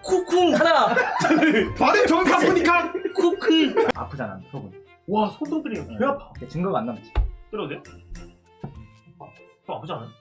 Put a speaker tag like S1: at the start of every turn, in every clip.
S1: 쿠쿵 하나
S2: 발음 정확히 보니까
S1: 쿠쿵.
S3: 아프잖아 속은.
S2: 와 손톱 때리면 개 아파.
S3: 증거가 안 남지.
S2: 때려도 돼요? 좀 아프지 않아요?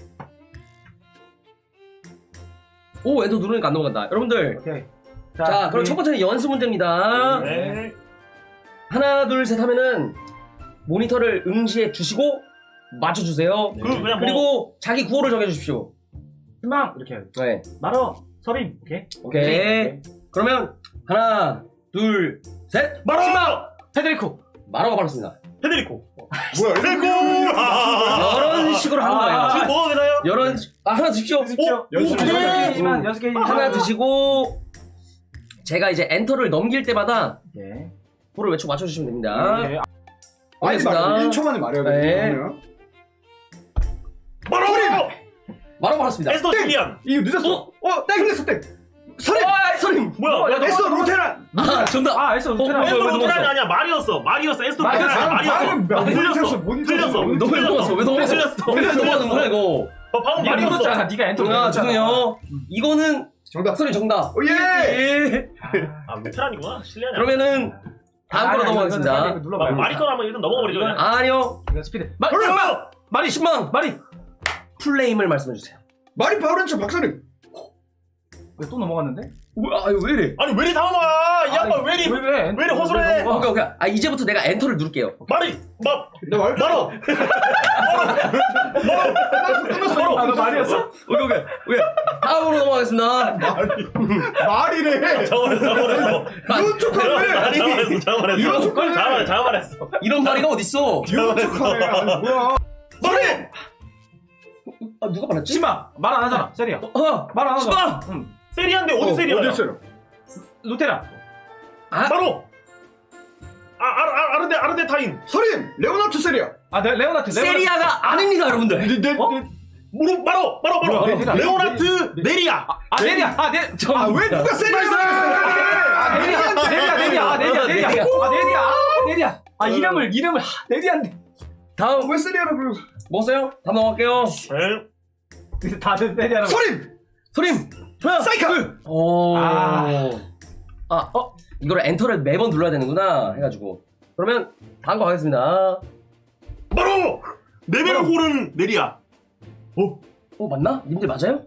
S1: 오 엔터 누르니까 안 넘어간다. 여러분들
S3: 오케이.
S1: 자 그럼
S3: 우리
S1: 첫 번째는 연습 문제입니다.
S2: 네.
S1: 하나 둘 셋 하면은 모니터를 응시해 주시고 맞춰주세요.
S2: 그냥 뭐
S1: 그리고 자기 구호를 정해주십시오.
S3: 희망 이렇게 해요.
S1: 네.
S3: 말어 서림. 오케이.
S1: 오케이. 그러면 하나 둘 셋.
S2: 마로!
S3: 페데리코.
S1: 마로가 받았습니다.
S2: 페데리코.
S4: 뭐야?
S2: 페데리코!
S1: 이런 식으로 하는 거예요.
S2: 지금 먹어도 되나요?
S1: 이런 하나 드십시오.
S4: 연습
S1: 오케이.
S3: 연습 여섯 개.
S1: 하나 드시고 제가 이제 엔터를 넘길 때마다
S3: 오케이.
S1: 구호를 외치고 맞춰주시면 됩니다.
S3: 오케이.
S4: 빨리 말해. 1초 만에 말해야 돼.
S1: 네.
S4: 그러면.
S2: 마로!
S1: 마로 받았습니다.
S2: 에스더 줄리안.
S4: 이거 늦었어. 땡 흘렸어 땡.
S1: 서림! 서림!
S2: 뭐야? 야,
S4: 에스더 루테란.
S1: 아 정답!
S3: 아 에스더 루테란.
S1: 왜
S2: 에스더
S1: 넘어갔어?
S2: 루테란이 아니야. 말이었어. 말이었어. 에스더
S3: 말이었어.
S2: 루테란이 말이었어. 틀렸어.
S1: 왜 넘어갔어? 왜 넘어갔어?
S2: 틀렸어.
S1: 왜 넘어가는 거야 이거?
S2: 방금
S3: 네가
S2: 말이었어.
S3: 눌렀잖아. 네가 엔터
S1: 아
S3: 눌렀잖아.
S1: 죄송해요. 이거는
S4: 정답.
S1: 서림 정답.
S4: 오 예.
S1: 예.
S2: 아 루테란이구나. 실례하냐.
S1: 그러면은 다음 거로 넘어가겠습니다.
S3: 눌러봐요.
S2: 말이 거라면 일단 넘어버리죠. 그냥.
S1: 아니요.
S3: 이거 스피드.
S1: 말이 10만.
S3: 말이.
S1: 풀네임을 말씀해주세요.
S4: 말이 바오렌츠 박사님.
S3: 왜 또 넘어갔는데?
S1: 뭐야? 아 이거 왜 이래?
S2: 아니 왜 이리 당황아? 이 양반 왜 이리
S3: 왜
S2: 이리 허술해?
S1: 오케이 오케이. 아 이제부터 내가 엔터를 누를게요.
S2: 말이
S4: 나 말.
S2: 마로.
S3: 아, 너 말이었어?
S1: 오케이. 다음으로 넘어가겠습니다.
S4: 말이래.
S2: 저번했어.
S4: 이런 척하네. 이런 척하네.
S2: 자말했어.
S1: 이런 말이가 어딨어?
S4: 이런 척하네. 아니 뭐야?
S2: 말이.
S1: 아 누가 말했지?
S3: 심마 말 안 하잖아. 세리야. 말 안 하잖아.
S1: 심마.
S3: 응.
S2: 세리안데 어디 세리야?
S4: 어딨어요?
S3: 루테란.
S1: 아
S2: 바로. 아르데타인.
S4: 서림 레오나르트 세리아.
S3: 아 레오나트.
S1: 세리아가 아닙니다 여러분들.
S2: 무릎 바로. 레오나트 네리아.
S3: 아 네리야.
S4: 아왜 누가 세리아?
S3: 네리야. 아 이름을 네리안데.
S1: 다음
S4: 왜 세리아라 그러고?
S1: 뭐어요? 다음 넘어갈게요.
S3: 다들 네리아라고.
S4: 서림.
S1: 하나
S4: 사이카.
S1: 오.
S3: 아.
S1: 이거를 엔터를 매번 눌러야 되는구나 해가지고 그러면 다음 거 가겠습니다.
S2: 바로 네베르호른 네리아.
S1: 맞나? 님들 맞아요?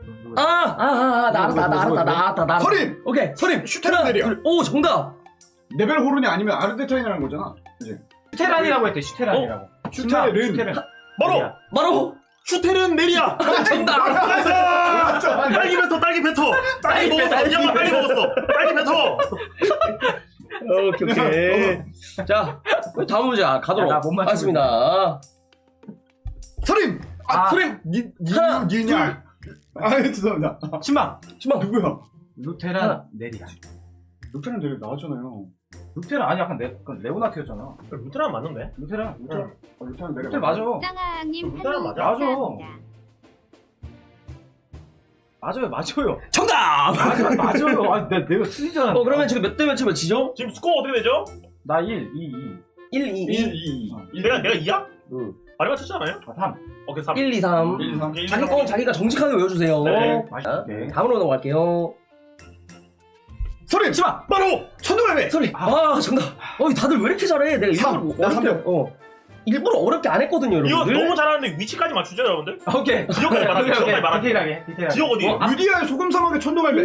S1: 나 알았다.
S4: 서림.
S1: 오케이 서림.
S4: 슈테란 내려.
S1: 오 정답.
S4: 레벨 호른이 아니면 아르데타인이라는 거잖아. 이제.
S3: 슈테란이라고 했대. 슈테란이라고.
S4: 슈테른.
S1: 바로
S2: 슈테른 네리아.
S1: 정답.
S2: 딸기 뱉어. 딸기 먹었어. 이 양반 빨리 먹었어. 딸기 뱉어.
S1: 오케이. 자 다음 문제 가도록
S3: 나 못 맞추고
S1: 하겠습니다.
S4: 서림.
S1: 서림.
S4: 니냐? 죄송합니다.
S3: 심마.
S4: 누구야?
S3: 루테란 네리아.
S4: 루테란 되게 나왔잖아요.
S3: 루테란 아니 약간 레오나트였잖아.
S2: 루테란 맞는데?
S3: 루테란.
S4: 루테란 내려.
S3: 루테란 맞아.
S5: 짱아님
S2: 루테란 맞아?
S3: 맞아요.
S1: 정답.
S3: 맞아요. 아 내가 틀리잖아.
S1: 그러면 지금 몇 대 몇으면 지죠?
S2: 지금 스코어 어떻게 되죠?
S3: 나 1, 2,
S1: 1, 2, 2.
S2: 내가 2야?
S1: 응.
S2: 많이 맞췄잖아요?
S3: 3.
S2: 오케이 3.
S1: 1, 2, 3.
S4: 1, 2, 3.
S1: 자기 건 자기가 정직하게 외워주세요.
S2: 네.
S1: 자,
S3: 오케이.
S1: 다음으로 넘어갈게요.
S4: 서림.
S3: 심마.
S2: 바로
S4: 천둥갈매.
S1: 소리. 정답. 다들 왜 이렇게 잘해? 내가 일부러
S4: 나
S1: 어렵게, 일부러 어렵게 안 했거든요,
S2: 이거
S1: 여러분들.
S2: 너무 잘하는데 위치까지 맞추죠 여러분들?
S3: 오케이.
S2: 지역까지 말하자. 지역까지 말하자.
S3: 디테일하게.
S2: 지역 어디?
S4: 유디아의 소금 사막의 천둥갈매.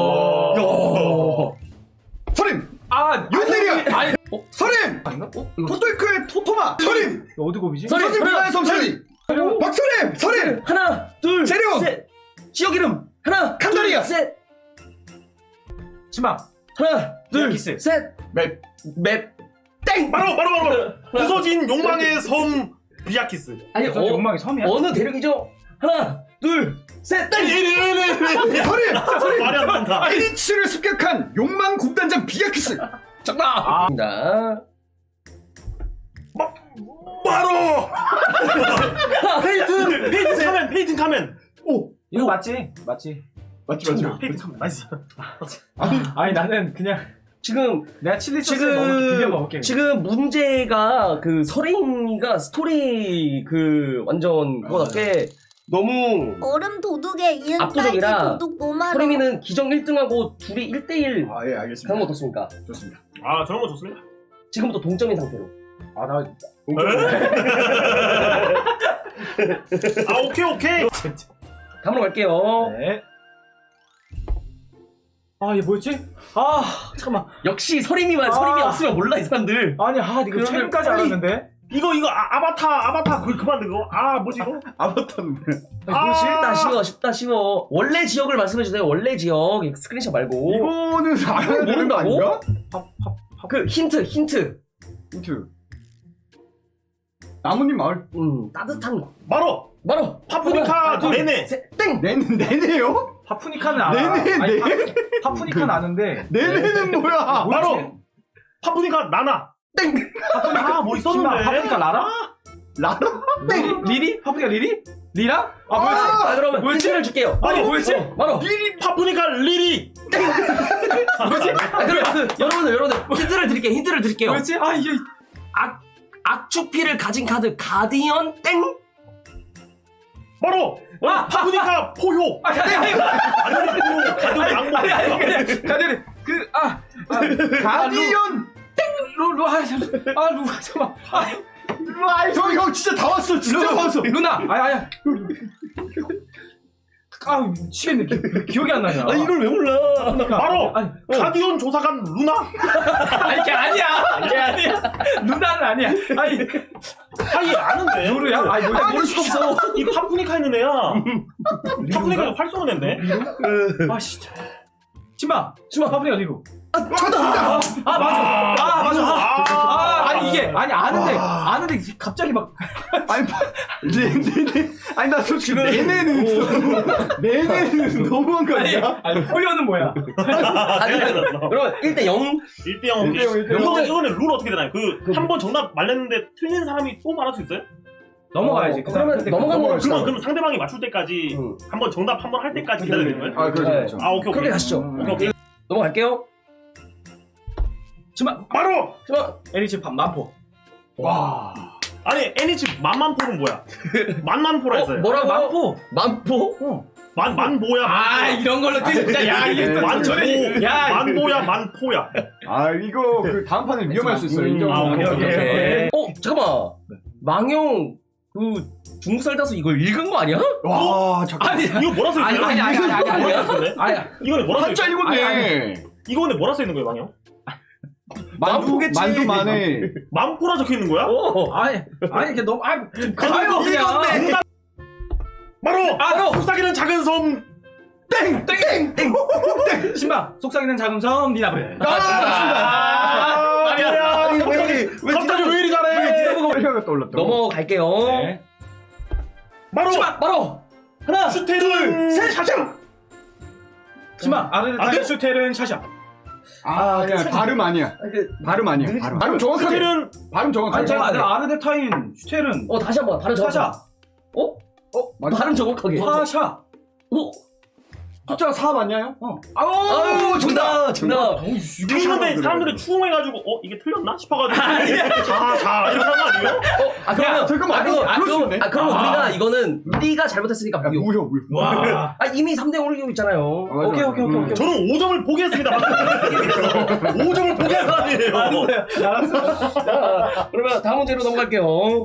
S1: 오.
S4: 서림.
S3: 윤세리야.
S4: 아니. 서림.
S3: 아닌가?
S4: 토토이크의 토토마. 서림.
S3: 어디고비지?
S1: 서림.
S4: 서림 비나의 섬찰리. 박서림. 서림.
S1: 하나, 둘,
S4: 재료.
S1: 셋. 지역 이름. 하나,
S4: 칸다리아.
S1: 둘, 셋.
S3: 심마.
S1: 하나, 둘,
S3: 비아키스.
S1: 셋.
S4: 맵.
S1: 땡.
S2: 바로 부서진 욕망의 섬 비아키스.
S1: 아니,
S3: 욕망의 섬이야?
S1: 어느 대륙이죠? 하나, 둘, 셋. 땡.
S4: 서림.
S2: 말이 안 된다.
S4: 아이리치를 습격한 욕망 군단장 비아키스.
S1: 정답입니다.
S2: 바로 페이튼 카멘.
S3: 이거 맞지? 맞지.
S2: 페이튼 카멘. 나이스.
S3: 아니 나는 그냥
S1: 지금
S3: 내가 칠리 소스 비벼 먹을게.
S1: 지금 문제가 그 서림이가 스토리 그 완전 그거답게 너무
S5: 얼음 도둑에 이은 딸기
S1: 압도적이라
S5: 도둑 노마로.
S1: 서림이는 기정 1등하고 둘이 1대1
S4: 아, 예, 알겠습니다.
S1: 그런 거 어떻습니까?
S4: 좋습니다.
S2: 아 저런 거 좋습니다.
S1: 지금부터 동점인 상태로.
S3: 아나
S2: 아 오케이.
S1: 다음으로 갈게요.
S3: 네. 아 얘 뭐였지? 아 잠깐만.
S1: 역시 서림이 없으면 몰라 이 사람들.
S3: 아니 이거
S1: 그러면
S3: 최근까지
S1: 빨리-
S3: 알았는데.
S2: 이거 아바타 그만 그거. 아 뭐지 이거?
S4: 아바타는
S1: 이거 쉽다 쉬워. 원래 지역을 말씀해 주세요. 원래 지역 스크린샷 말고.
S4: 이거는 알아야 되는 거 아닌가?
S1: 그 힌트.
S4: 힌트. 나뭇잎 마을
S1: 따뜻한
S2: 바로 파프니카
S1: 둘,
S2: 네네.
S1: 셋, 땡.
S4: 내네요?
S3: 파프니카는 알아.
S4: 네네,
S3: 아니,
S4: 네.
S3: 파프니카는 아는데.
S4: 내내는 뭐야?
S2: 바로 파프니카 나나.
S1: 땡.
S2: 파프니카 뭐
S3: 신발
S2: 있었는데.
S3: 파프니카 라라?
S4: 라라?
S3: 리리? 파프니카 리리? 리라? 아 뭐였지?
S1: 아, 그러면
S3: 뭐였지?
S1: 힌트를 줄게요.
S3: 아니 뭐였지?
S1: 바로.
S2: 파프니카 리리.
S3: 뭐였지?
S1: 그럼 여러분들 힌트를 드릴게요.
S3: 뭐였지? 아 이게
S1: 악추피를 가진 카드 가디언 땡.
S2: 바로 파프니카 포효.
S3: 아니
S2: 가디언 악몽.
S3: 그냥 가디언이
S4: 가디언!
S3: 루 잠깐만.
S4: 형 진짜 다 왔어. 진짜 다 왔어.
S3: 루나. 아야. 미치겠네. 기억이 안 나냐.
S1: 이걸 왜 몰라?
S2: 바로
S3: 아니,
S2: 가디언 조사관 루나.
S3: 아니 걔 아니야. 걔 아니야. 루나는 아니야.
S2: 아니 아는데.
S3: 루루야? 아니 뭐야?
S1: 모를 수가 없어.
S2: 이 파프니카 있는 애야. 파프니카가 활 쏘는 애인데.
S3: 아 진짜. 치마 파프니카 리루.
S4: 정답!
S3: 맞아. 아니 이게 아는데 갑자기 막
S4: 아니, 네네네. 아니, 나 솔직히 내내는 너무한 거 아니야?
S3: 아니 포효는 뭐야?
S1: 그럼 1대0.
S2: 1대0. 이거는 룰 어떻게 되나요? 한 번 정답 말렸는데 틀린 사람이 또 말할 수 있어요?
S3: 넘어가야지.
S1: 그러면 넘어가는 거
S2: 그러면 상대방이 맞출 때까지 한 번 정답 한 번 할 때까지 기다려야 되는 거예요?
S4: 아, 그렇죠.
S2: 아 오케이.
S1: 그렇게 가시죠.
S2: 오케이.
S1: 넘어갈게요.
S3: 치마
S2: 바로
S3: 에리치 만포.
S4: 와.
S2: 아니 애니치 만만포는 뭐야? 만만포라 했어요.
S1: 뭐라고? 만포?
S2: 만보야.
S3: 이런 걸로 진짜 야 이게 또
S2: 만포.
S3: 야
S2: 만보야 만포야.
S4: 아, 이거 그 다음 판에 위험할 수 있어요. 인정.
S2: 아, 오케이.
S1: 잠깐만. 망용 중국 살다서 이걸 읽은 거 아니야?
S4: 와, 잠깐.
S2: 이거 뭐라 써 있어요?
S3: 아니야.
S2: 이거는 뭐라 써
S4: 한자
S2: 있어요?
S4: 이건데.
S2: 이거는 뭐라 써 있는 거예요, 망형?
S1: 만포겠지.
S4: 만두 만에.
S2: 만포라 적혀 있는 거야?
S3: 아니 이게 너무 가요
S1: 이건데.
S3: 그냥.
S2: 바로 속삭이는 작은 섬.
S1: 땡.
S3: 신바 속삭이는 작은 섬 니나블.
S2: 아니야. 갑자기 왜 이리 잘해?
S4: 가 떠올랐다.
S1: 넘어갈게요.
S3: 네.
S1: 바로 하나,
S2: 슈테른
S1: 셋.
S2: 샤샤.
S3: 신바 아르데타이 슈텔은 샤샤.
S4: 아, 그냥 발음 아니야. 발음 아니야. 발음 정확하게.
S2: 슈테른
S3: 아니
S4: 발음 정확하게.
S3: 제가 아르데타인 슈텔은
S1: 다시 한번 발음 정확하게.
S3: 샤샤.
S1: 발음 정확하게.
S3: 샤샤.
S4: 숫자가 4 맞냐요?
S1: 아우 정답.
S2: 이러는데 사람들이 추궁해가지고 이게 틀렸나 싶어가지고 자 이렇게 한거 아니에요?
S1: 그러면
S4: 잠깐만.
S1: 그러면 우리가 이거는 우리가 잘못했으니까 무효.
S4: 무효.
S3: 와.
S1: 이미 3대5로 이기고 있잖아요.
S3: 오케이.
S2: 저는 5점을 포기했습니다. 5점을 포기한 사람이에요.
S1: 자, 그러면 다음 문제로 넘어갈게요.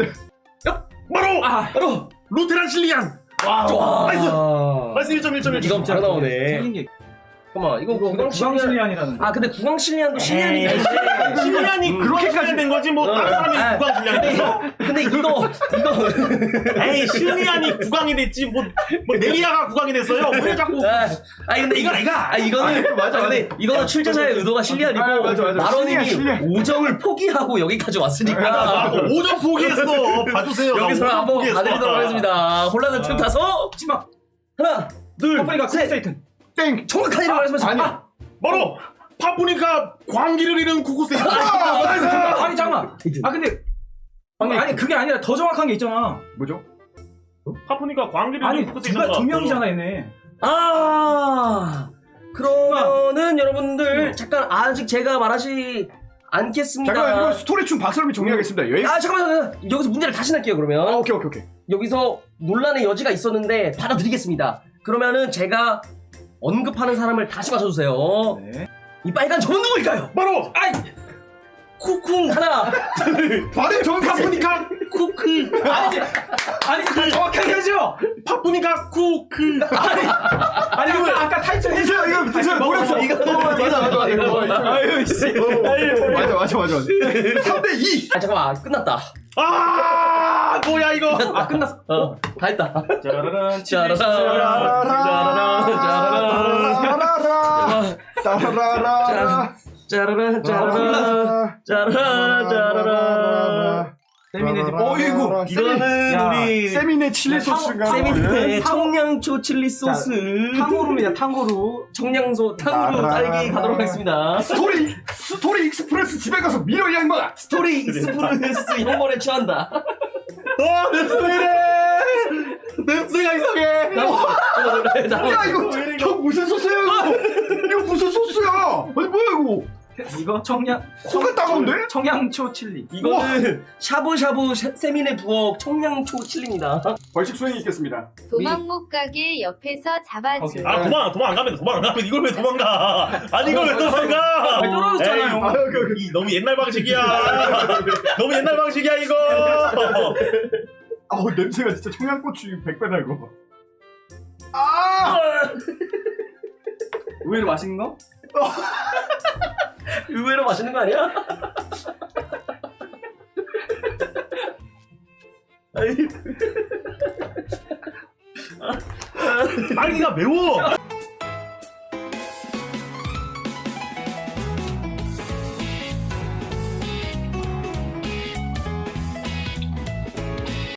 S2: 바로 루테란 실리안.
S1: 좋아.
S2: 나이스 1점.
S1: 이건 바로 나오네.
S3: 생긴 게
S1: 잠깐만, 이거 구강 실리안.
S3: 구강실리안이라는.
S1: 근데 구강 실리안도 실리안이 있는데.
S2: 실리안이 그렇게까지 된 거지 뭐 다른 사람이 구강 실리안이 됐어?
S1: 근데 이거
S2: 에이 실리안이 구강이 됐지 뭐 네리아가 구강이 됐어요? 왜 자꾸
S1: 근데 이거는
S4: 맞아.
S1: 근데 이거는 출제자의 의도가 실리안이고
S4: 맞아.
S1: 마로님이
S4: 실리안.
S1: 5점을 포기하고 여기까지 왔으니까
S2: 5점 포기했어. 봐주세요.
S1: 여기서
S2: 나
S1: 한번
S2: 5점
S1: 봐드리도록 하겠습니다. 혼란을 틈 타서
S3: 치마.
S1: 하나, 둘,
S3: 파프니카
S1: 셋.
S3: 세이튼.
S4: 땡.
S1: 정확한 이름 말씀하세요.
S4: 아니야.
S2: 바로 파프니카 광기를 잃은 쿠쿠세이.
S3: 아니 잠깐만. 근데 아니 그게 아니라 더 정확한 게 있잖아.
S4: 뭐죠?
S2: 파프니카 광기를
S3: 아니
S2: 잃은 쿠쿠세이.
S3: 두 명이잖아 얘네.
S1: 그러면은 여러분들 잠깐 아직 제가 말하지 않겠습니다.
S4: 잠깐만 이거 스토리충 박설미 정리하겠습니다. 여기.
S1: 아 잠깐만 여기서 문제를 다시 낼게요 그러면.
S4: 오케이.
S1: 여기서 논란의 여지가 있었는데 받아들이겠습니다. 그러면은 제가 언급하는 사람을 다시 맞춰주세요.
S3: 네.
S1: 이 빨간 점은 누구일까요?
S2: 바로
S1: 아이 쿠쿵 하나
S4: 발음 정확하게.
S2: 파프니카 쿠크.
S3: 아니 다 정확하게 하죠.
S2: 파프니카 쿠크.
S3: 아니 아까 타이틀
S4: 드세요 이거 드세요. 노력서. 맞아.
S3: 아유 씨.
S4: 맞아. 3대2.
S1: 아 잠깐만 끝났다.
S2: 아 뭐야 이거.
S3: 아 끝났어.
S1: 다 했다.
S2: 짜라란
S1: 짜라란.
S4: 따라라라.
S1: 짜라란 짜라란 짜라란.
S3: 세미네 집. 어이구.
S2: 이거는
S3: 야.
S2: 우리
S4: 세미네 칠리 소스인가?
S1: 세미네
S3: 탕-
S1: 청양초 칠리 소스.
S3: 탕후루입니다. 탕후루.
S1: 청량소 탕후루 딸기 가도록 하겠습니다.
S4: 스토리 익스프레스 집에 가서 밀어 이 양반아.
S1: 스토리 익스프레스 혐오에 취한다.
S2: 냄새가 이상해.
S4: 야 이거 형 무슨 소스야 이거 무슨 소스야? 아니 뭐야 이거?
S3: 이거
S4: 코가 따가운데?
S3: 청양초 칠리.
S1: 이거는 샤브샤브 세미네 부엌 청양초 칠리입니다.
S4: 벌칙 수행이 있겠습니다.
S5: 도망 못 가게 옆에서 잡아줘.
S2: 아 도망 안 가면 이걸 왜 도망가? 아니 이걸 왜 도망가?
S3: 아니, 떨어졌잖아요.
S2: 에이, 너무 옛날 방식이야. 너무 옛날 방식이야 이거.
S4: 아우 냄새가 진짜 청양고추 100배다 이거. 아!
S3: 의외로 맛있는 거?
S1: 의외로 맛있는 거 아니야?
S2: 딸기가 매워.